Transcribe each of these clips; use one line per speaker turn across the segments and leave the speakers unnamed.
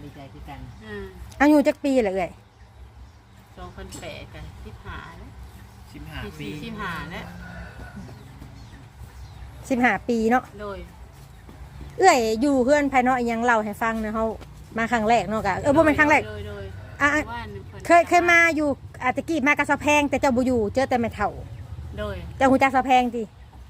ดีใจคือกัน
อายุจักปีละเอ่ย
2008กัน15แล้ว
15 ปี
15แล้ว
15 ปีเนาะ
โดย
เอ้ยอยู่เพื่อนภายนอกยังเล่าให้ฟังนะเขามาครั้งแรกเนาะกะบ่เป็นครั้งแรกเคยมาอยู่ตะกี้มากระสะแพงแต่เจ้าบ่อยู่เจอแต่แม่เฒ่า
โดย
เจ้าฮู้จักสะแพงติ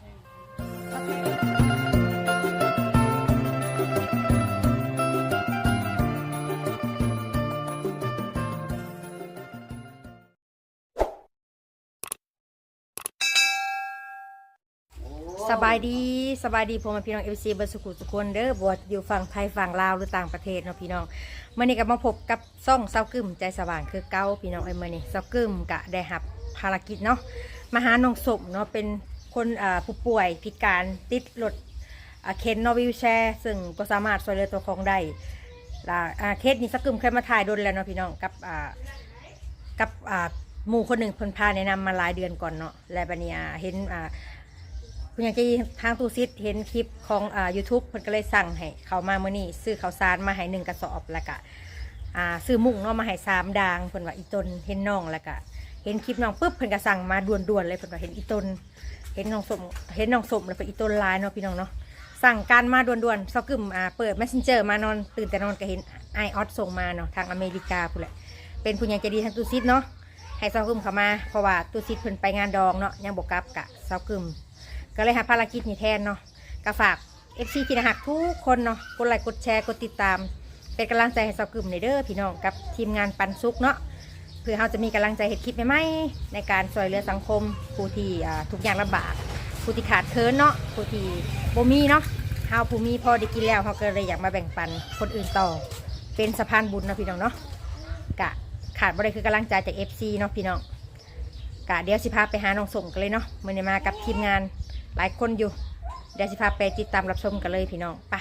สบายดีพ่อแม่พี่น้อง FC เบิร์ดสุขุสุคนเด้อบวชอยู่ฝั่งไทยฝั่งลาวหรือต่างประเทศเนาะพี่น้องเมื่อนี้ก็มาพบกับซ่องเซากึ่มใจสว่างคือเก้าพี่น้องเมื่อนี้เซากึ่มกะได้รับภารกิจเนาะมาหาน้องสมเนาะเป็นคนผู้ป่วยพิการติดรถเข็นนอวิวแชร์ซึ่งก็สามารถช่วยเหลือตัวของได้เคสนี้เซากึ่มเคยมาถ่ายโดนแล้วเนาะพี่น้องกับหมู่คนหนึ่งเพิ่นพาแนะนำมาหลายเดือนก่อนเนาะและบัดนี้เห็นคุณยังจะทางตู้ซิดเห็นคลิปของYouTube เพิ่นก็เลยสั่งให้เขามาเมื่อนี้ซื้อข้าวสารมาให้1 กระสอบแล้วก็ซื้อมุ้งเนาะมาให้3 ดางเพิ่นว่าอีตนเห็นน้องแล้วก็เห็นคลิปน้องปุ๊บเพิ่นก็สั่งมาด่วนๆเลยเพิ่นว่าเห็นอีตนเห็นน้องสมแล้วเพิ่นอีตนลายเนาะพี่น้องเนาะสั่งการมาด่วนๆเซากึ่มเปิด Messenger มานอนตื่นแต่นอนก็เห็นไอออสส่งมาเนาะทางอเมริกาพุ่นแหละเป็นผู้ยังใจดีทางตู้ซิดเนาะให้เซากึ่มเข้ามาเพราะว่าตู้ซิดเพิ่นไปงานดองเนาะยังบ่กลับกะเซากึ่มก็เลยหาภารกิจนี้แทนเนาะก็ฝาก FC ที่น่ารักทุกคนเนาะกดไลค์กดแชร์กดติดตามเป็นกำลังใจให้เซากึ่มในเด้อพี่น้องกับทีมงานปันสุกเนาะเพื่อเราจะมีกำลังใจเฮ็ดคลิปใหม่ๆในการช่วยเหลือสังคมผู้ที่ทุกอย่างลำบากผู้ที่ขาดเคินเนาะผู้ที่บ่มีเนาะเฮาผู้มีพอได้กินแล้วเฮาก็เลยอยากมาแบ่งปันคนอื่นต่อเป็นสะพานบุญเนาะพี่น้องเนาะกะขาดบ่ได้คือกำลังใจจาก FC เนาะพี่น้องกะเดี๋ยวสิพาไปหาน้องสมกันเลยเนาะมื้อนี้มากับทีมงานหลายคนอยู่เดี๋ยวสิพาไปติดตามรับชมกันเลยพี่น้องไป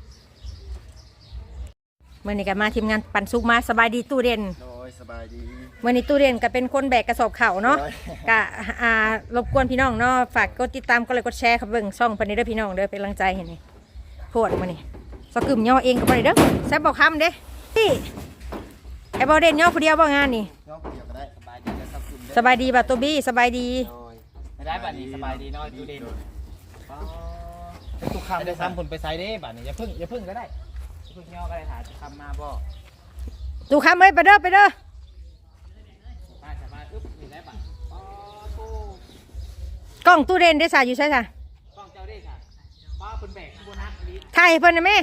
เมื่อนี้ก็มาทีมงานปันสุกมาสบายดีตู้เด่น
โดยสบายดี
เมื่อนี้ตู้เด่นก็เป็นคนแบกกระสอบเข่าเนาะก็รบกวนพี่น้องเนาะฝากกดติดตามกดไลค์กดแชร์ครับเบิ่งช่องปันนี้เด้อพี่น้องเด้อเป็นกำลังใจเห็นไหมโคตรมื่อนี้สกึมย่อเองกับปันนี้เด้อแซ่บบอกคำเด้พี่ไอ้บอเด่นย่อผู้เดียวบ่งานนี่
ย่อเดียวก็ได้สบายดีแล้วครับคุณ
สบายดีบ่ตัวบี้สบายดี
ไม่ได้บัดนี้สบายดีน้อยดูเด่นทุกคำได้ซ้ำคนไปไซด์ได้บัดนี้อย่าพึ่งก็ได้พึ่งย่อก็ได้ถ่ายคำมาบ่
ดูคำเลยไปเด้อ
มาอึ๊บนี่ได้บัด
กล้องตู้เด่นได้สายอยู่ใช่ไหม
กล้องเจ้าได้ค่ะป้าคุณแบกโบนัสนี้
ถ่ายเพิ่นนะแม่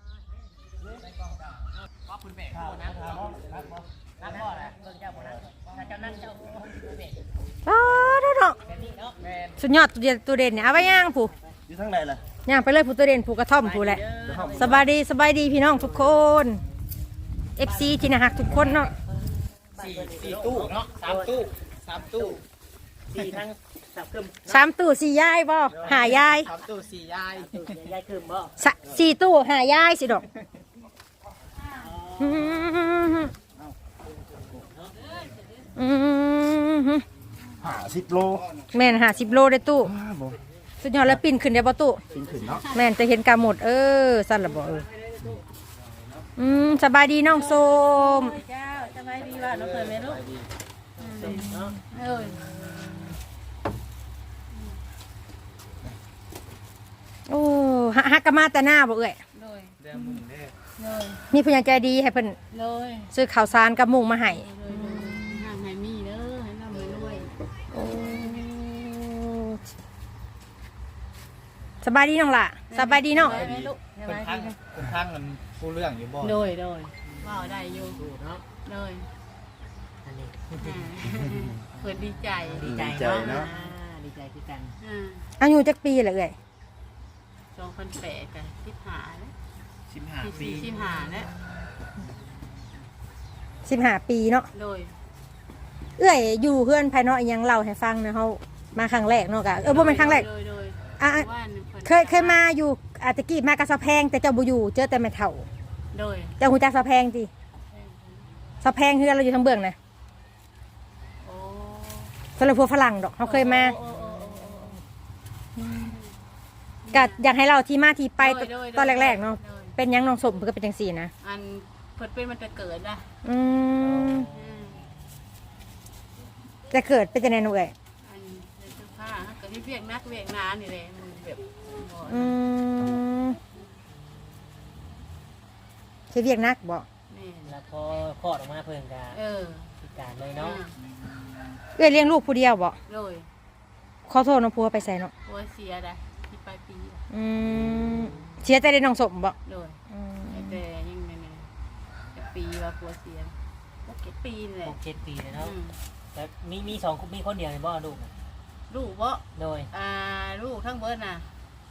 ป้าคุณแบกโบนัสนักบ่แหละเบิ่งเจ้าโบนัสเจ้านั่งเจ้าแบก
เนาะสุดยอดตู้เด่นเนี่ยเอาไว้ย่างผู้
อยู่ทั้งไหนล่ะ
ย่างไปเลยผู้ตู้เด่นผู้กระท่อมผู้แหละสบายดีพี่น้องทุกคน FC ที่น่ารักทุกคนเนาะ
สี่ตู้เนาะ3 ตู้4ทั้ง
3 ตู้ 4 ยายบ่หายาย
3 ตู้ 4 ยายยายคืมบ่
4 ตู้หายายสิดอก
50 โล
แม่น50 โลได้ตู้สุดยอดแล้วปีนขึ้นได้บ่ตู้
ปีนขึ้นเนาะ
แม่นจะเห็นกาหมดสั่นละบ่สบายดีน้องโสม
เจ้าสบายดีว่าน้องเคยไหมลูก
โอ้ฮักกะมาแต่หน้าบ่เอ่ยมีผู้ใหญ่ใจดีให้เพิ่นซื้อข้าวสารกับมุ้งมาให้
ห่างให้มีเด้อให้ร่ำให้รวย
สบายดีน้องล่ะสบายดีน้อง
คนข้างมันผู้เรื่องอยู่บ่
โดยว่าได้อยู่เนาะโดยอันนี้เปิดดีใจ
เนาะ
ดีใจคือกัน
อายุจักปีละเอ่ย
2008กัน15แล้ว
15 ปี
15แล้ว
15 ปีเนาะ
โดย
เอ้ยอยู่เพื่อนภายนอกยังเล่าให้ฟังนะเขามาครั้งแรกเนาะกะบ่เป็นครั้งแรกเคยมาอยู่ตะกี้มากระสะแพงแต่เจ้าบ่อยู่เจอแต่แม่เฒ่า
โดย
เจ้าฮู้จักสะแพงติสะแพงคือเราอยู่ทางเบื้องนะสำหรับพวกฝรั่งดอกเขาเคยมาก็อยากให้เราที่มาที่ไปตอนแรกๆเนาะเป็นยังน้องสมเพื่อเป็นจังซี่นะ
อันเพพิ่นเป็นมันจะเกิดนะ
อืมจะเกิดเป็นจังได๋หนูเอ้ย
อันนี้เป็นเสื้อผ้าก็ที่เวียกนักเวียกนานี่แหละมันแบบบ่
อืมสิเวียกหนักบ่
แม่น
แล้วพอคลอดออกมาเพิ่นก็ พิการเลยเนาะ
เอ้ยเลี้ยงลูกผู้เดียวบ่
โดย
ขอโทษน้องผัวไปใส่เนาะ
หัวเสียได้ที่ปลายปี
อืมเสียใจได้น้องสมบ่
โดย
อืม
แต่ยังไงเนี่ยจะปีว่าหัวเสีย6-7 ปีนี่แหละ
6-7 ปีเลยเนาะ
อืม
แล้วมีสองมีคนเดียวเลยบ่ลูกน่ะ
ลูกบ่
โดย
ลูกทั้งเบิดน่ะ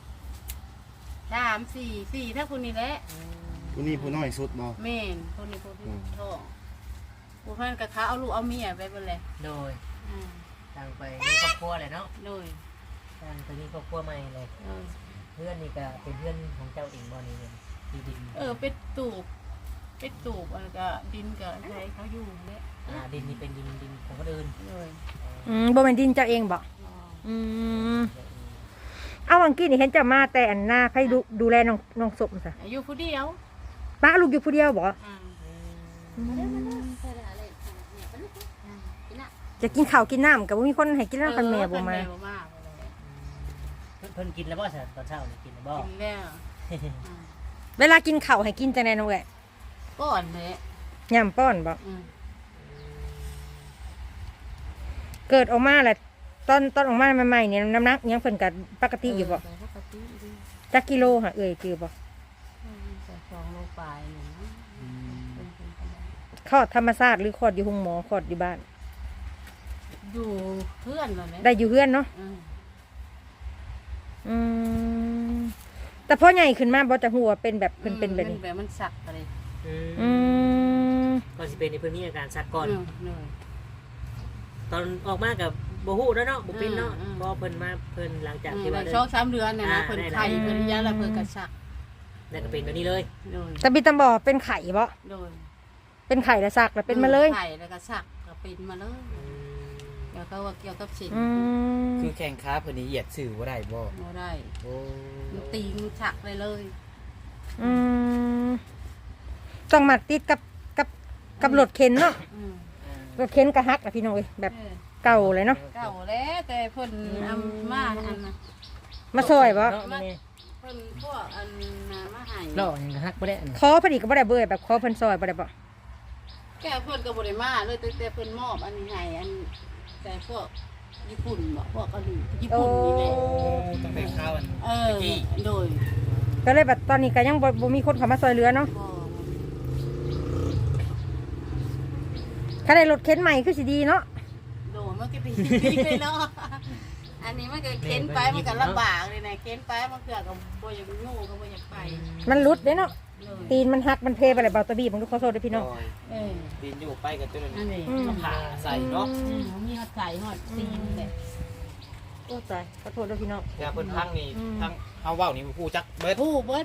3-4ทั้งคนนี้แหละ
ผู้นี้ผู้น้อยสุดบ่
แม่นคนนี้คนที่ท้องผู้พันกับเขาเอาลูกเอาเมียไปเบิดเลย
โดย
อ่า
ต่างไปมีครอบครัวเลยเนาะ
โดย
ต่างไปมีครอบครัวใหม่เลย เพื่อนนี่ก็เป็นเพื่อนของเจ้าเองบ่นี่เนี่ยที่ดิน
เป็ดตูบอะไรก็ดินกับอะไรเขาอยู่เนี่ย
ดินนี่เป็นดินของคนอื่น
โดย
บ่แม่นดินเจ้าเองบ่
อ๋อ
อืมเอาวังกี้นี่เห็นเจะมาแต่อันหน้าใครดูแลน้องสมซะ
อายุผู้เดียว
ป้าลูกอยู่ผู้เดียวบ่
อ่า
จะกินข้าวกินน้ำก็บ่มีคนให้กินน้ำคันแม่บ่มา
บ่มาเลย
เพิ่นกินแล้วบ่ซะตอนเช้านี่กินแล้วบ่
กินแล้ว
เวลากินข้าวให้กินจังได๋น้องเอ้ย
ก่อนเลย
ย่ำป้อนบ่
อืม
เกิดออกมาแหละตอนออกมาใหม่ๆเนี่ยน้ำหนักยังเพิ่นก็ปกติอยู่บ่
ปกติดี
จักกิโลหะเอ้ยคือบ่
แต่2 โลปลายหนึ่งเป็นไปได้
คลอดธรรมชาติหรือคลอดอยู่โรงหมอคลอดอยู่บ้าน
อยู่เพื่อนเลยเนี่ย
ได้อยู่เฮือนเนาะ
อืม
อืมแต่พอใหญ่ขึ้นมาบ่จะหัวเป็นแบบเพิ่นเป็นแบบนี้
แบบมันสักอะไร
อืม
ก่อนสิเป็นนี่เพิ่นมีอาการชักก่อน
เหนื่อย
ตอนออกมากับบ่ฮู้แล้วเนาะบ่เป็นเนาะ
อืม
พอเพิ่นมาเพิ่นหลังจากที่ว่า
ช่อง3 เดือนเนี่ยนะเพิ่นไข่เพิ่นยาละเพิ่นกระสัก
ได้ก็เป็นตัวนี้เลย
โดย
แต่บิตาบ่เป็นไข่บ่
โดย
เป็นไข่แล้วซักแล้วเป็นมาเลย
ไข่แล้วก็สักก็เป็นมาเลยเดี๋ยวเขาว่าเกี่ยวกับสิ่ง
อืม
คือแข่งค้าเพิ่นนี่เหยียดสื่อบ่ได้บ่
บ่ได้
โอ้
มันตีงสักเลยเลย
อืมต้องมาติดกับรถเข็นเนาะ
อืม
รถเข็นกระหักอะพี่น้องเอ้ยแบบ
เออ
เก่าเลยเนาะ
เก่าแล้วแต่เพิ่นเอามาอันน่ะ
มาซอยบ่
เนาะแม่
เพิ่นพวกอันน่ะมาให้
เนาะยังฮักบ่ได้อัน
ขอพอดีก็บ่ได้เบื่อแบบขอเพิ่นซอยบ่ได้บ่
แกเพิ่นก็บ่ได้มาเลยแต่เพิ่นมอบอันนี้ให้อันแต่พวกญี่ปุ่นบ่พวกเกาหลีญี่ปุ่นนี่แหละ
ต้องได้ข้าวอัน
โดย
ก็เลยแบบตอนนี้ก็ยังบ่มีคนเข้ามาซอยเหลือเนาะ
บ่
ถ้าได้รถเข็นใหม่คือสิดีเนาะ
โดนมันก็เป็นดีเลยเนาะ อันนี้มันก็เค้นไปมันก็ลำบากเลยนะเค้นไปมันเกิดกับบ่อยากงูก็บ่อยากไป
มันหลุดเด้เนาะ
เลย
ตีนมันหักมันเพไปเลยเบาตะบี้ผมดูขอโทษด้วยพี่น้อง
เออ
ดินอยู่ไปกับตัวนั้น
อันนี้
อืม
ผ่าใส่เนาะ
มีฮอดไก่ฮอดตีนเลย
โอ้ตายขอโทษด้วยพี่น้อง
แต่เพิ่นพังนี่พังเฮาเว้านี่ผู้จักเบิด
ผู้เบิด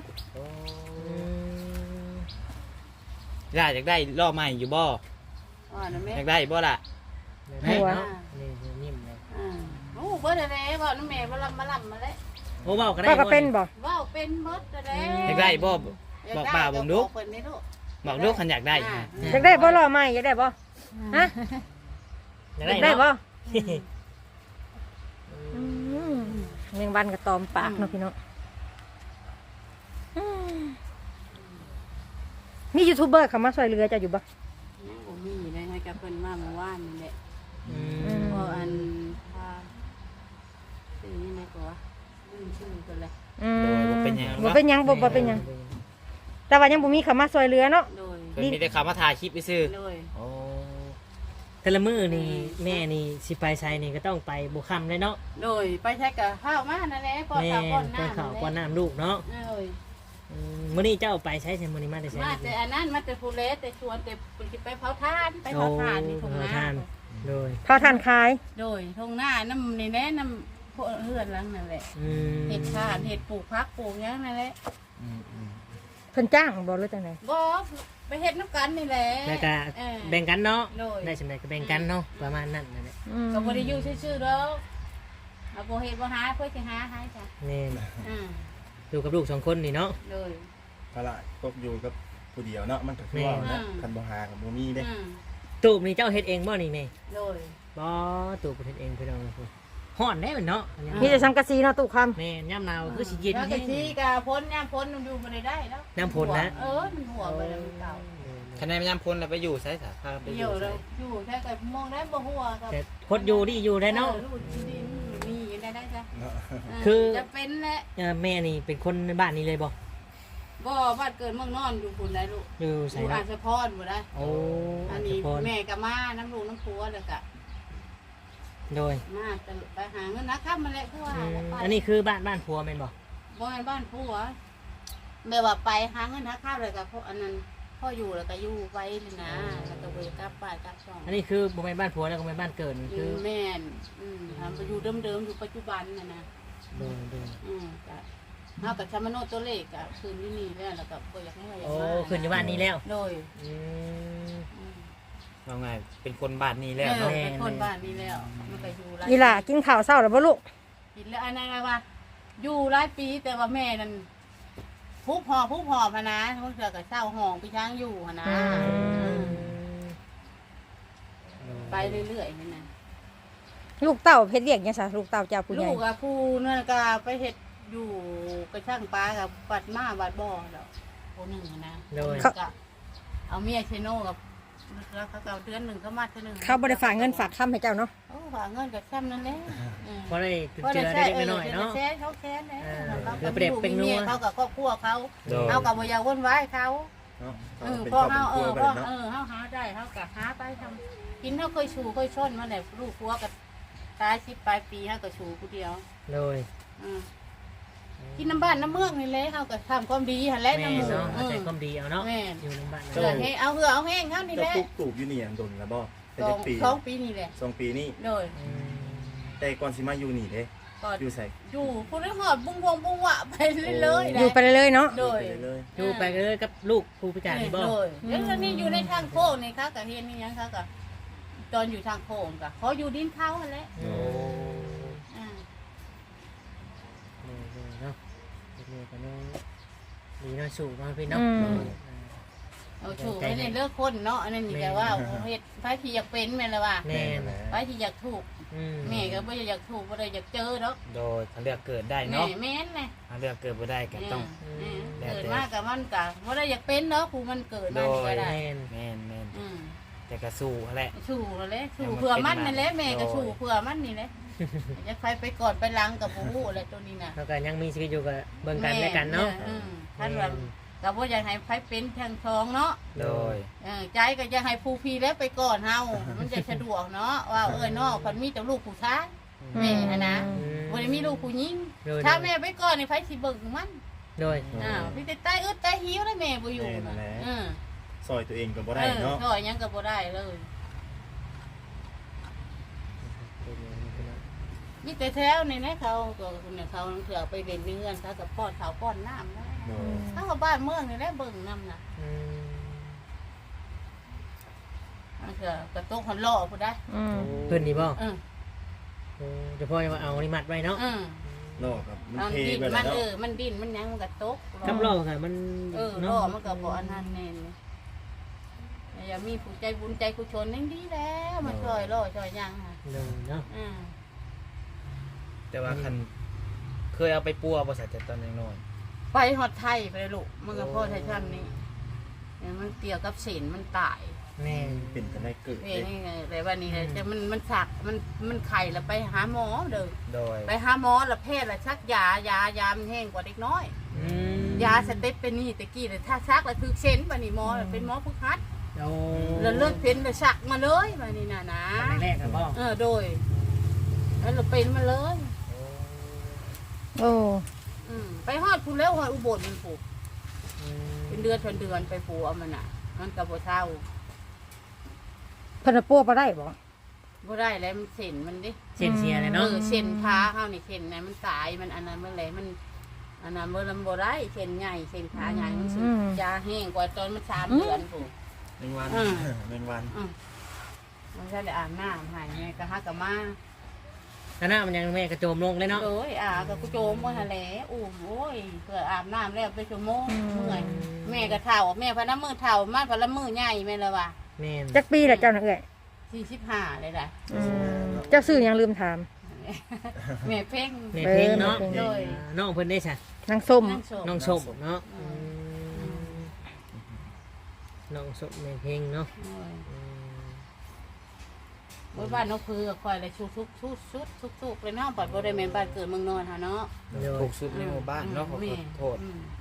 ย่าอยากได้ล้อใหม่อยู่บ่
อ่านะแม่
อยากได้บ่ล่ะ
หัวนี่นิ่มเลย
อ่าโอ้เบิดอะไรบ่น้ำแม่บ่ลำมาแล้ว
โอ้เว้าก็ได้
ป้าก็เป็นบ่
ว้าวเป็นเบิดอะไร
อยากได้บ่บอกป้าผมดู
เพิ่นนี่ลูก
บอกลูกคันอยากได้ฮะ
อยากได้บ่รอใหม่อยากได้บ่ฮะ
อยาก
อยาก
ได้
ได้บ่
เนาะ
อืมแมงวันกับตอมปากเนาะพี่น้องอืมมียูทูบเบอร์เข้ามาซอยเรือจะอยู่บ่
ยังบ่มีเลยให้กับเพิ่นมาเมื่อวานนี่แหละ
อืม
พออันพาชื่อนี่ไหนก็วะลืมชื่อกันเลย
อืม
โดยบ่เป็นหยัง
บ่เป็นหยังบ่เป็นหยังแต่ว่ายังบ่มีเข้ามาซอยเรือเนาะ
โดย
เพิ่นมีแต่ข่าวมาถ่ายคลิปไปซื้อ
โดย
โอ้
แต่ละมื้อนี่แม่นี่สิไปไสนี่ก็ต้องไปบ่ค่ำเลยเนาะ
โดยไปใช้กับข้าวมานั่นแหละป้อน
แม่
ข้าวป้อน
ไป
น้ำ
ข้าวป้อนน้ำลูกเนาะ
โดย
มื้อนี้เจ้าไปใช้ใช่มื้อนี้มาได้ใช้
มาแต่อันนั้นมาแต่ภูเลสแต่ชวนแต่ไปเผาทานไปเผาทานนี่ทงหน้า
ทานโดย
พอทานขาย
โดยทงหน้าน้ำนี่แน่น้ำพวกเฮือนหลังนั่นแหละ
อืม
เห็ดทานเห็ดปลูกพักปลูกหยังนั่นแหละ
อืม
เพิ่นจ้างบ่หรือจังได๋
บ่ไปเห็ดน้ำกันนี่แหละ
แล้วก็
เออ
แบ่งกันเนาะ
โดย
ได้สำเร็จก็แบ่งกันเนาะประมาณนั้นนั่นแหละ
อืม
ก็บ่ได้อยู่ซื่อๆดอกเอาบ่เฮ็ดบ่หาเพื่อสิหาให้จ้ะ
นี่
อ่า
อยู่กับลูก2คนนี่เนาะ
โดย
ตลาดตกอยู่กับ
ผู้เดียวเนาะมันก็คือว่านะคันบ่หากับบ่มีเด้
ตูบนี่เจ้าเฮ็ดเองบ่นี่แม่
โดย
บ่ตูบเฮ็ดเองพี่น้องฮ้อนได้มันเนาะ
มีแต่สังกะสีเนาะตู้ค
แม่ย่ำหนาวคือสิเย็น
แล้ว
แฮ
ก็ที่กะพ้นย่ำพ้นมันอยู่บ่ได้แล้ว
น้ำฝนนะ
มันหัวไปแล้วเก่า
คะแนนยามพ้นแล้วไปอยู่ไสซะพาไปอ
เดี๋ย
ยู่
ว
ไส
เราอยู่แค่กับมองได้บ่หัวกับ
แต่คดอยู่นี่อยู่ได้เนาะ
ลูกดินมีอยู่ได้จ้ะ
เนาะ
คือ
จะเป็นแหละ
แม่นี่เป็นคนในบ้านนี้เลยบ่
บ่บ้านเกิดเมืองนอนอยู่พุ่นได้ลูก
อยู่
อ
ไส
ยู่อา
เนาะ
จจะพรบ่ได้
โอ้
อันนี้
พร
แม่ก็มาน้ำลูกน้ำผัวแล้วก็
โดย
มาแต่ไปหาเงินนะครับมาแหละคือว่า
อันนี้คือบ้านผัวแม่นบ่
บ่แม่นบ้านผัวแม่ว่าไปหาเงินหาข้าวเลยก็เพราะอันนั้นพ่ออยู่แล้วก็อยู่ไว้นี่นะแล้วก็ไปกลับบ้านกลับช่อง
อันนี้คือบ่แม่นบ้านผัวแล้วก็แม่นบ้านเกิดนี่
อ
คื
ยู่
อ
แม่นทำไปอยู่เดิมๆอยู่ปัจจุบันน่ะนะ
โดยโดย
ก็เฮากับชามโนตัวเลขก็คืนที่นี่แล้วก็บ่อยากให้ว่าอยาก
โอ้
มา
ขึ้นอยู่บ้านนี้แล้ว
โดย
อืม
เอาไงเป็นคนบ้านนี้แล้ว
เนาะ
เนาะ
เป็นคนบ้านนี้แล้วมันก็อยู่หลาย
ำอีหล่ากินข้าวเช้าแล้วบ่ลูก
กินแล้วอันนั้นว่า อยู่หลายปีแต่ว่าแม่นั่นพุบหอพะนะเพิ่นก็เศร้าห้องไปช้างอยู่หั่นนะ ไปเรื่อยๆนี่นะ
ลูกเต้าเพชรเรียกยังซะลูกเต้าเจ้าผู้ให
ลู
ญ่
กกับผู้นั่นก็ไปเฮ็ดอยู่กระช่างปลากับปัดมาบัดบ่อแล้วคนหนึ่งนะ
โดย
ก็เอาเมียเชโน่กับแล้วเขาก็เอาเดือนหนึ่งเขามาเดือนหนึ่ง
เขาบ่ได้ฝากเงินฝากคำให้เจ้าเนาะ
โอ้ฝากเงินกับซ้ำนั่นแหละ
พอได้เจอได้เล็กน้อยเนาะ
แค้นเขาแค้นเลย
เดี๋ยวเปรียบเป็นนัว
เขากับครอบครัวเขา
โดย
เอากับบ่อยากวนไว้เขา
เนาะ
พอ
เป็น
เฮา
ครอบครัว
พอ
กันเนาะ
เฮาหาได้เฮาก็หาไปทำกินเฮาเคยชูเคยชนมาแหละลูกครัวกับตาย10ปลายปีเฮาก็ชูผู้เดียว
โดย
กินน้ำบ้านน้ำเมืองนี่แหละเขาก็ทำความดีหันแหละ
แม่
น้ำหมู
เนาะเอาใจความดีเอาเนาะ
แม่
อยู่ในบ้าน
เหือให้เอาเหือเอาแห้งเขานี่แห
เจ้า
ละ
ปุ๊กปลูกอยู่นี่อันดนแล้วบ่เป็น
สอ
จั
ง
กปี
2 ปีนี่แหละ
2 ปีนี้
โดย
แต่ก่อนสิมาอยู่นี่เด้
ก็
อยู่ไส
อยู่ผู้ได้หอดบุ้งวงบุ้งวะไปเรื่อยๆ
อยู่ไปเรื่อยๆเนาะ
โดย
ไปเลย
อยู่ไปเลยกับลูกผู้พิการนี่บ่
โดยแล้วนี่อยู่ในทางโค้งนี่ค่ะกับเฮียนนี่ยังค่ะกับตอนอยู่ทางโค้งกับเขาอยู่ดินเขาหันแหละ
โอ้
อ่า
เนาะเด็กๆกันเนาะดีเนาะสู่มาพี่เนาะ
เอาถูกไม่ได้เลิกคนเนาะอันนั้นนี่แต่ว่าเฮ็ดไผที่อยากเป็นแม่นละว่า
แม่
แหละ
ไผที่อยากถูก
อืม
แม่ก็บ่อยากถูกบ่ได้อยากเจอเนาะ
โดยถ้าเลือกเกิดได้
แม่
เนาะ
แม่นแหละ
ถ้าเลือกเกิดบ่ได้ก็ต้อง
เกิดมากับมันกะว่าได้อยากเป็นเนาะผู้มันเกิดมานี่ก็ได้
แม่น
แม่นแม่น
อืม
แต่ก็สู้แหละ
สู่นั่นแหละสู่เผื่อมันนั่นแหละแม่ก็สู่เผื่อมันนี่แหละจะใครไปกอดไปลังกับผู้ฮู้อะไรตัวนี้น่ะ
แล้วก็ยังมีชีวิตอยู่กับเบิ่งกันและกันเนาะ
ท่านว่าก็บ่อยากให้ไผเป็นทางทองเนาะ
โดย
ใจก็อยากให้ผู้พี่แล้วไปก่อนเฮามันจะสะดวกเนาะว่าเนาะคนมีแต่ลูกผู้ชายแม่นะบ่ได้มีลูกผู้หญิงถ้าแม่ไปก่อนนี่ไผสิเบิ่งมัน
โดย
พี่แต่ตายอึดตายหิวแล้วแม่บ่อยู่น่ะ
ซอยตัวเองก็บ่ได้เนาะ
ถอยยังก็บ่ได้เลยมีแต่แถวนี่นะเขาก็เนี่ยเขาเถื่อไปเล่นเงินเขากับป้อนเขาป้อนน้ำนะ
เนาะ
เขากับบ้านเมืองนี่แหละเบิ่งน้ำน่ะมันเถื่อกระตุกหันล่อผู้ได้
เพิ่นนี่บ่
เออ
เดี๋ยวพ่อจะมาเอานี่มัดไว้เนาะ
นอกครับมัน
มัน
เท
ดิ้น
ไป
มั
แล้ว
น
เนาะ
มันดิ้นมันยังมันกระตุก
กับล่อค่ะมัน
ล่อมันก็บ่อันนั้นแน่นอย่ามีผู้ใจบุญใจกุศลนั่นดีแล้วมันช่วยล่อช่วยยังค่ะ
เนาะ
แต่ว่าคันเคยเอาไปปัวบ่ใส่แต่ตอนยังน้อย
ไปฮอดไทยไปเลยลูกมันก็พ่อไทยช่างนี่มันเกี่ยวกับศีลมันตาย
แม่
เป็นกันได้เกิด
นี่นี่ไงแต่ว่านี่แต่มันสักมันไข่แล้วไปหาหมอเด้อ
โดย
ไปหาหมอแล้วแพทย์แล้วชักยามันแห้งกว่าเด็กน้อย ยาสเต็ปเป็นนี่ตะกี้เลยถ้าชักแล้วถึกเส้นบัดนี้หมอเป็นหมอผู้คัด
โอ้
แล้วเลือดเป็นแล้วชักมาเลยบัดนี้น่ะนะ
แรกกันบ่
โดยแล้วเราเป็นมาเลย
โอ้
ไปฮอดผู้แล้วฮอดอุบลมันปลูกเป็นเดือนไปปลูกเอามันน่ะ มันก็บ่เท่า
เพิ่นปัวบ่ได้บ่
บ่ได้แล้วมันเส้นมันดิ
เส้นเสียเลยเนาะ
เส้นขาเฮานี่เส้นไหนมันตายมันอันนั้นมันแหละมันอันนั้นมันบ่ได้เส้นใหญ่เส้นขาใหญ่มันสุดยาแห้งกว่าตอนมัน3 เดือนปลูก
แมงวันแมงวัน
มันจะได้อาบน้ำหายไงก็ฮักกับมา
แล้วน้ามันยังแม่กระโจมลงเลยเนาะ
โดยก็กูโจมบ่หั่นแหละอุ้มโอ้ยเพื่ออาบน้ำแล้วไปชั่วโมงเมื่อยแม่ก็เฒ่าแม่พะน้ำมือเฒ่ามาพะละมือใหญ่แม่นละว่ะ
แม่น
จักปีละเจ้าน่ะเอ้ย
45เลยล่ะ
เจ้าซื้อยังลืมถาม
แม่เพ่ง
แม่เพลงเนาะ
แม่เพลง
โดย
น้องเพิ่นได้ซะ
นางส้ม
นั่งโสม
น้องชมเนาะน้องชมแม่เพลงเนาะ
โอ้ยบ้านนกพือคอยเลยชุกเลยเนาะปัดบ่ได้แม่นบ้านเกิดเมืองนอนหาเนาะ
โด
ถู
ย
กสุดในหมู่บ้านเนาะขอโทษ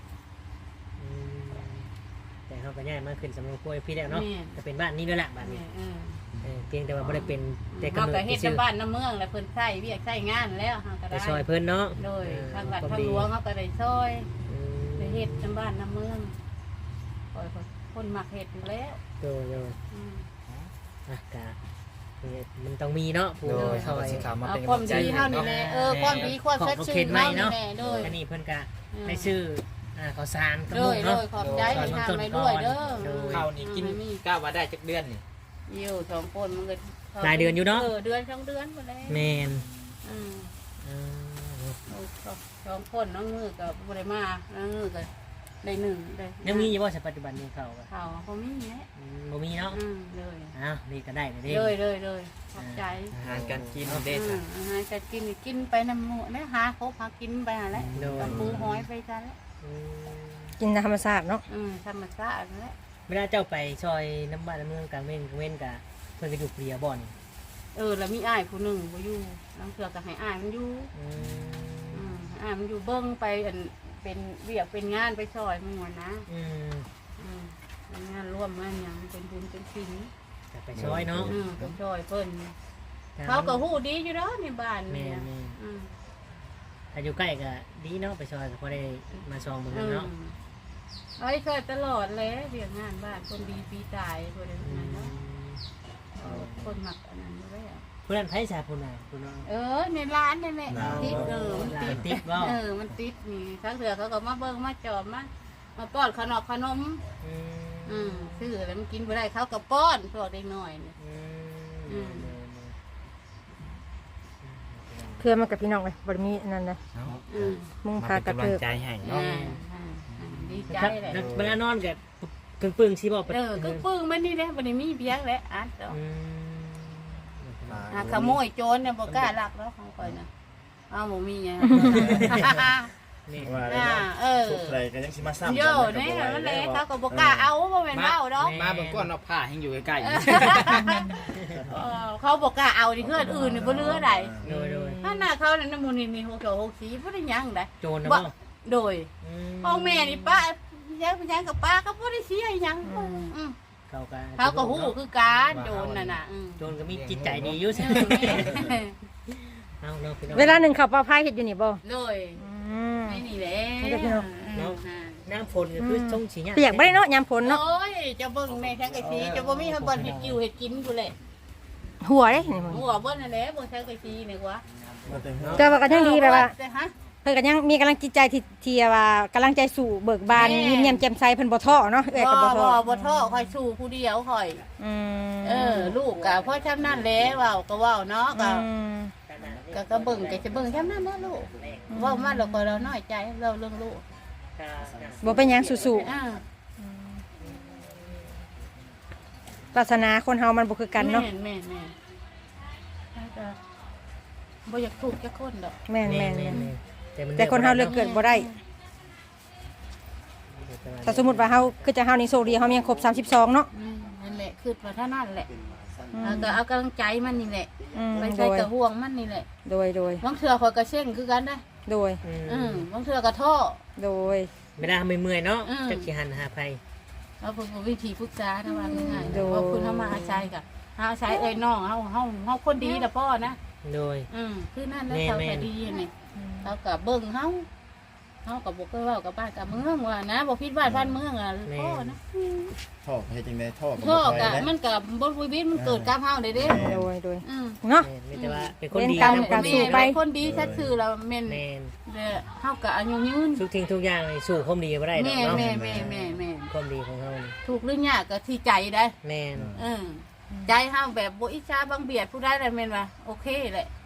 แต่เขาก็ย้ายมาขึ้นสำนักครัวพี่แล้วเนาะ
แม่
จะเป็นบ้านนี้ด้วยแหละบ้านนี้เพียงแต่ว่าไม่ได้เป็นแต่
เฮาก
ำ
ก็
เนิด
เฮ็ด
ชื่อ
น้ำบ้านน้ำเมืองแล้วเพิ่นใช้เวียกใช้งานแล้วเฮาก็
ไป
ได้
ซอยเพิ่นเนาะ
โดยทางวัดทางหลวงเฮาก็ได้ซอยได้เฮ็ดน้ำบ้านน้ำเมืองคอยคนมักเฮ็ดอยู่แล้ว
โดยกะมันต้องมีเนาะผู้
โดย
ซ
เขา
อย
สิขามา
เอา
เป็น
ความ
กำลังใจ
ดี
ให้
เฮานี่
เนาะ
แหละความดีความชัดชื่นเฮานี่แหละโดย
อันนี้เพิ่นกะให้ซื้อข้าวสารกับ
โด
มุ
ย
ก
โด
เนาะ
ยขอบใจให้ทำไปด้วยเด้อ
ข้าวนี่กินกล้าว่าได้จักเดือนนี่
อยู่2คนมันก็
รายเดือนอยู่เนาะ
เดือน2เดือนหมดแล้ว
แม่น
2คนน้องมือก็บ่ได้มาน้องมือก็ได้1ได้
ยังมีอยู่ว่าปัจจุบันนี้เขา
เขาบ่มีแหละ
บ่มีเนาะ
เลย
อ้าวนี่ก็ได้เลยเด้
เลยขอบใจ
อาหารการกินเด้
อาหารจะกินไปน้ำหมูนะหาครบหากินไปหาแล้วกับปูหอยไปกันแล้ว
กินธรรมชาติเนาะ
ธรรมชาติแล้ว
เวลาเจ้าไปซอยน้ำบ้านน้ำเมืองกลางเว้นกะเพิ่นก็อยู่เปรียบ่อน
แล้วมีอ้ายผู้หนึ่งบ่อยู่น้ำเสือก็ให้อ้ายมันอยู่อ้ายมันอยู่เบิ้งไปเป็นเวียกเป็นงานไปซอยมันหมดนะงานร่วมงานอย่างเป็นบุญเป็นศิล
ไปซอยเนาะ
ไปซอยเพิ่นเขาก็ฮู้ดีอยู่เนาะในบ้าน
แม่
นี่
ถ้าอยู่ใกล้ก็ดีเนาะไปซอยก็พอได้มาซองมือเนาะ
ไอ้เคยตลอดเลยเรียกงานบ้านคนดีปีตายคนนั้นเนาะคนหมักอันนั้นเลย
ผู้นั้นไผสาผู้น่ะผู้น้อง
ในร้านนี่แหละติดมันติด
ติดบ่
มันติดนี่ทั้งเถื่อเขาก็มาเบิ่งมาจอมมาป้อนขนมซื้อแล้วมันกินบ่ได้เขาก็ป้อนพวกเด็กน้อยนี่
เพื่อนมากับพี่น้องเลยบ่ได้มีอันนั้นนะมุ่งพากระ
กำลั
เทิ
ง
บ
ใจให้เนาะ
ดีใจแหละ
เวลานอนก็ปึ้งๆสิบ่
ก็ปึ้งมันนี่แหละบ่ได้มีเบียงแหละอัดดอกขโมยโจรเนี่ยบ่กล้าลักแล้วของข่อยน่ะเอาบ่มีไง
นี่
ว่าได้เนาะสุดใดก็ยังสิมาซ้ำ
โย่นี่มันแหละเขาก็บ่กล้าเอาบ่แม่นเว้าดอก
มาเบิ่งก่อนเนาะผ้าให้อยู่ใกล้
เขาบอกกล้าเอาดิเพื่อนอื่นนี่บ่เหลือใด
โดย
ถ้าหน้าเขานั่นน่ะมูนี่6 6สีบ่ได้หยังได้
โจรนะบ่
โดยพ่อแม่นี่ป้ายังกับป้าก็บ่ได้เสียหยัง เขาก็ฮู้คือการโจรน่ะน่ะ
โจรก็มีจิตใจดีอยู่ เอาเนาะพี่น้อง
เวลาหนึ่งเขาปลาพายเห็ดอยู่นี่บ่
โดยนี่แหละ
น้ำฝนก็คือช่องสีเนี่ย
เปียกบ่ได้เนาะยามฝนเนาะ
โอ้ยจะเบิ่งในทั้งกะสีจะบ่มีให้บ่เฮ็ดกิวเฮ็ดกินกูแหละ
หัวเด้นี่มึง
หัวเบิ่นนั่นแหละเบิ่งทั้งกะสีนี่กว่า
เจ้าว่าก็ยังดีแบบว่า
ฮะ
เพิ่นก็ยังมีกำลังจิตใจที่ว่ากำลังใจสู่เบิกบานยิ้มแย้มแจ่มใสเพิ่นบ่ท้อเนาะเอ้ยก็บ่ท้อ
บ่ท้อค่อยสู้ผู้เดียวค่อย
อืม
ลูกก็เพราะฉะนั้นแหละเว้าก็เว้าเนาะก็เบิ่งก็จะเบิ่งฉะนั้นนะลูกเว้ามาแล้วก็เราน้อยใจเราเรื่องลูก
บ่เป็นหยังสู้
อ่า
ๆปรารถนาคนเฮามันบ่คือกันเนาะ
แม่บ่อยากถูกจักคนดอก
แม่นแต่คนเฮาเลือกเกิดบ่ได้แต่สมมุติว่าเฮาคือจะเฮานี่โชคดีเฮายังครบ32เนาะ
นั่นแหละคือว่าเท่านั้นแหละก็เอากำลังใจมันนี่แหละไป
โด
ใส่
ย
กระห่วงมันนี่แหละ
โดย
บางเทื่อข่อยก็เช่งคือกันได้
โดย
บางเทื่อก็ท้อ
โดย
เวลาเมื่อยเนาะจักสิหันหาไผ
เอาเพิ่นวิธีปรึกษาทำว่าง่ายๆว่าคุณเฮามาอาศัยก็อาศัยเอ้ยน้องเฮาคนดีล่ะพ่อนะ
โดย
คือนั่นแล้วเขาก็ดีนี่เขาก็เบิ่งเฮาก็บ่เคยเว้ากับบ้านกับเมืองว่านะบ่ผิดบ้านบ้านเมืองอ่ะพ่อนะ
ท่อให้จังได๋ท่อก็
พ่อ
บ่
ก็
ค่อย
มันก็บ่วิบิตมันเกิดกับเฮาได้เด้
โดยเนาะ
ไม่แต่ว่าเป็นคนดี
เล่นกรรมกับ สู้ไป
คนดีชัดซื่อแล้วแม่น
แม่น
เฮาก็อายุยืน
ทุกทิ้งทุกอย่างนี่สู้ความดีบ่ได้ดอก
แม่
เนาะ
แม่
ความดีของเฮานี่
ถูกหรือยากก็ที่ใจได้
แม่น
ใจเฮาแบบบ่อิจฉาบังเบียดผู้ใดได้แม่นว่าโอเคแหละ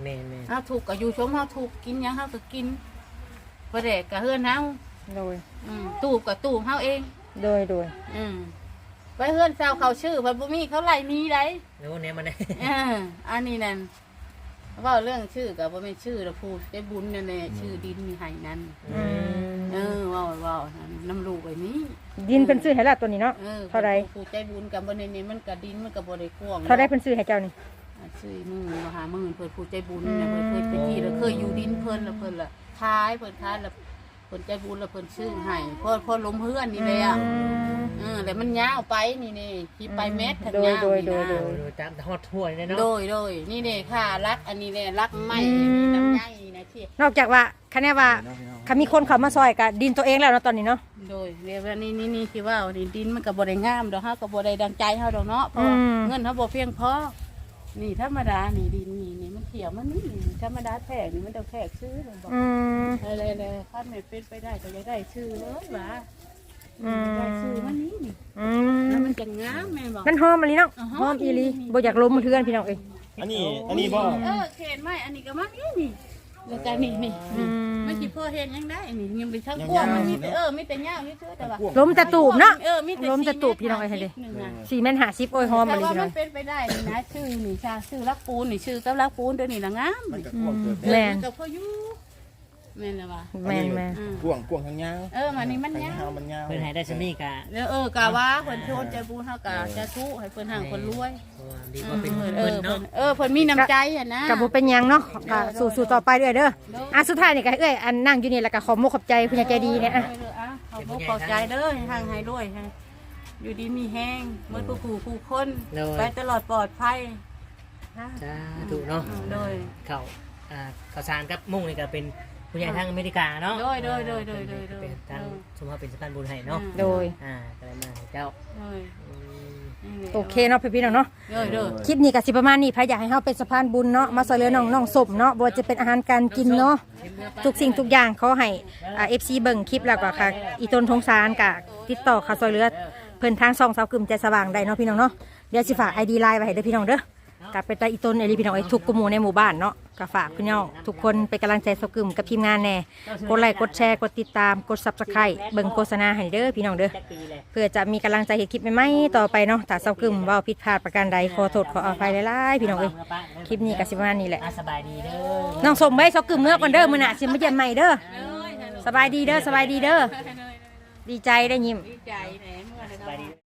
แม่น
เฮาถูกก็อยู่ชมเฮาถูกกินหยังเฮาก็กินบ่ได้ก็เฮือนเฮา
โดย
ตูบก็ตูบเฮาเอง
โดยโดย
ไปเฮือนเซาเขาชื่อเพิ่นบ่มีเขาไล่หนี้ได้
แล้วเนี่ยมันได้
อันนี้นั่นเว้าเรื่องชื่อก็บ่แม่นชื่อละผู้ได้บุญนั่นแหละชื่อดินมีให้นั่นเว้าน้ำลูกไอ้นี้
ดินเพิ่นซื้อให้แล้วตัวนี้เนาะเท่าไร
ผู้ใจบุญกับบ่ได้นี่มันก็ดินมันก็บ่ได้กว้าง
เท่าไรเพิ่นซื้อให้เจ้านี่
ซื้อมือมาหามื่นเพิ่นผู้ใจบุญเนี่ยเพิ่นเคยไปที่แล้วเคยอยู่ดินเพิ่นแล้วเพิ่นละท้ายเพิ่นท้ายแล้วเพิ่นใจบุญแล้วเพิ่นซื้อให้พอล้มเฮือนนี่เลยอ่ะแล้วมันยาวไปนี่ที่ไปเม็ดทางยาวนี่นะ
โดยตามฮอดถ้วยเลยเนาะ
โดยนี่เด้ค่ะรักอันนี้แหละรักไม้น้ำใยนะที่
นอกจากว่าคะแนนว่าคันมีคนเข้ามาซอยก็ดินตัวเองแล้วเนาะตอนนี้เนาะ
โดยเรียกว่านี่ที่ว่าดินมันก็บ่ได้งามดอกเฮาก็บ่ได้ดังใจเฮาดอกเนาะเพราะเงินเฮาบ่เพียงพอนี่ธรรมดานี่ดินนี่มันเขียวมันนี่ธรรมดาแพงนี่มันต้องแพงซื้อเลยบอกอะไรๆคันไม่เป็นไปได้ก็จะได้ชื่อเลยว่าได้ชื่อมันนี่แล้วมันจะงามแม่บอก
มันหอมอะไรเนาะหอมอีหลีบ่อยากล้มเทือนพี่น้องเอ้ย
อันนี้บ่
เขนไม้อันนี้ก็มันนี่แล้วก็นี่มันสิพอเห็นยังได้นี่ยังไปทั้งกว้างมันมีแต่มีแต่ยาวนี่เชื่อแต่ว่า
ล้มจะตูบเนาะ
มีแต่
ล้มจะตูบพี่น้องเอ้ยให้ดิ450โอ้ยหอม
แต่
อะไร
ว่า
พี่น้
มั
อง
นเป็นไปได้นี่นะชื่อนี่ชาชื่อรักปูนนี่ชื่อกับรักปูนเดี๋ยวนี้ละงาม
มันก็กว้างเกิน
แม่น
กับพ่อยูแม่นละว่า
แม่นแม่น
กว้างทางยาว
มันนี่มัน
ทาง
ยาว
ยาวมันยาว
เพิ่นให้ได้ซะนี่กะ
แล้วกะว่าเพิ่นชวนใจบุญเฮากะจะทุให้เพิ่นห่างเพิ่นรวย
ดีกว่าเป็นเพิ่นเนาะ
เพิ่นมีน้ำใจอ่ะนะ
ก็บ่เป็นหยังเนาะก็สู้ๆต่อไปเด้อสุดท้ายนี่ก็เอ้ยอันนั่งอยู่นี่แล้วก็ขอมกขอบใจผู้ใหญ่ใจดีเนี่ย
เขาบ่เข้าใจเด้อห่างให้รวยอยู่ดีมีแห้งเหมือนผู้คนไปตลอดปลอดภัย
สาธุเนาะ
โดย
ข้าวสารกับมุ่งนี่ก็เป็นผู้ใหญ่ทางอเมริกาเนาะ
โดย
เป็นทางสมภาพเป็นสะพานบุญให้เนาะ
โดย
ก็ได้มาให้เจ้า
โอเคเนาะพี่ๆน้องเนาะ
โดย
คลิปนี้ก็สิประมาณนี้ใครอยากให้เฮาเป็นสะพานบุญเนาะมาช่วยเหลือน้องๆศพเนาะบ่ว่าจะเป็นอาหารการกินเนาะทุกสิ่งทุกอย่างขอให้FC เบิ่งคลิปแล้วก็ค่ะอีต้นทงสารก็ติดต่อเข้าช่วยเหลือเพิ่นทางช่องสาวกึ่มใจสว่างได้เนาะพี่น้องเนาะเดี๋ยวสิฝาก ID Line ไว้ให้เด้อพี่น้องเด้อกลับไปตาอีต้นเอลีพี่น้องไอ้ทุกกลุ่มในหมู่บ้านเนาะก็ฝากพี่น้องทุกคนเป็นกำลังใจสาวกึ่มกับทีมงานแน่กดไลค์กดแชร์กดติดตามกด Subscribe เบิ่งโฆษณาให้เด้อพี่น้องเด้อเพื่อจะมีกำลังใจเฮ็ดคลิปใหม่ๆต่อไปเนาะถ้าสาวกึ่มเว้าผิดพลาดประการใดขอโทษขออภัยหลายๆพี่น้องเอ้ยคลิปนี้ก็สิประมาณนี้แหละ
สบายดีเด้อ
น้องสมไว้สาวกึ่มเมื่อก่อนเด้อมื้อหน้าสิมาเยี่ยมใหม่เด้อสบายดีเด้อดีใจได้ยิ้ม
ดีใจแหนเมื่อ
สบายดี